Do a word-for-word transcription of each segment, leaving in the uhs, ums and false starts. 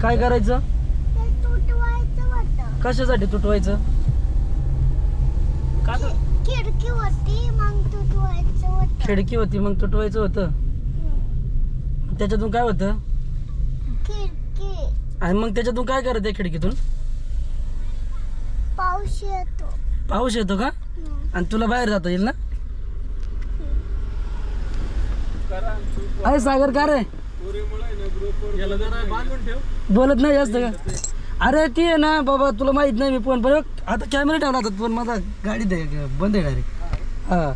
काय करायचं? ते तुटवायचं होतं. कशासाठी तुटवायचं? का तर खिडकी होती मग तुटवायचं होतं. खिडकी होती मग तुटवायचं होतं. हम्म. त्याच्यातून काय होतं? खिडकी आणि मग त्याच्यातून काय करत आहे खिडकीतून? पाऊस येतो. पाऊस येतो का? हम्म. आणि तुला बाहेर जाता येईल ना? करा अरे सागर का रे याला जरा बांधून ठेव. बोलत नाही जास्त का? अरे ती आहे ना बाबा, तुला माहित नाही मी फोन पण आता कॅमेरा ठेवला होता पण माझा गाडी दे बंद आहे डायरेक्ट. हा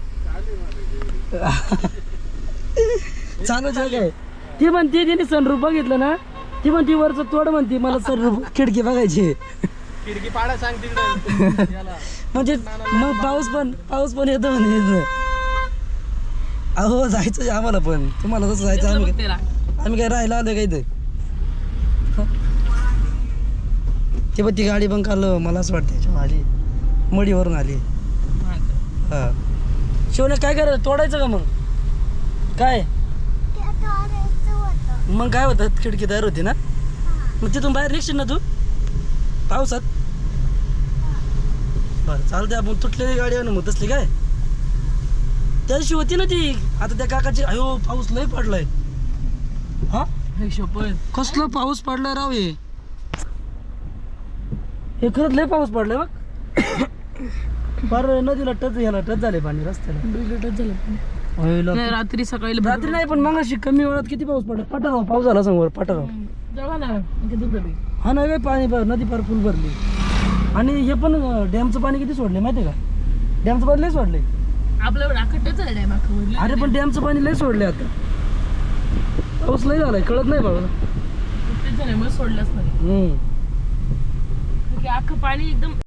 चालू काय ती म्हणते तिने सनरूफ बघितलं ना, ती म्हणती वरचं तोड म्हणती मला सनरूफ खिडकी बघायची. खिडकी पाडा सांग तिकडे याला. म्हणजे मग पाऊस पण पाऊस पण येतो म्हणे. अहो जायचं आम्हाला पण, तुम्हाला तसं जायचं आम्ही काय- आम्ही काय राहायला आलोय का इथे? ते पण ती गाडी पण काल मला असं वाटतं याच्यावर आली, मडीवरून आली. हा शिवने काय करायचं, तोडायचं का मग? काय ते तोडायचं होतं. मग काय होतं? खिडकी तयार होती ना, मग तिथून बाहेर निघशील ना तू पावसात? बरं चालते, आपण तुटलेली गाडी आहे ना मग तसली काय त्या दिवशी होती ना ती. आता त्या काकाची अयो पाऊस लय पडलाय. हा कसला पाऊस पडलाय राव. हे हे खरंच लय पाऊस पडलाय बघ. फार नदीला टच ह्याला टच झाले पाणी रस्त्याला. होय, लग- रात्री सकाळी रात्री नाही पण मग अशी कमी वेळात किती पाऊस पडला. पठाराव पाऊस झाला समोर पठाराव. हा नाही काय पाणी पार नदी पार फुल भरली. आणि हे पण डॅमचं पाणी किती सोडले माहितीये का? डॅमचं पाणी लय सोडले. आपलं राखटच आहे डॅम अख्खं. अरे पण डॅमचं पाणी लय सोडले आता. पाऊस लय झालाय कळत नाही बाबा. तेच झालंय मग सोडलंच नाही हम्म की अख्खं पाणी एकदम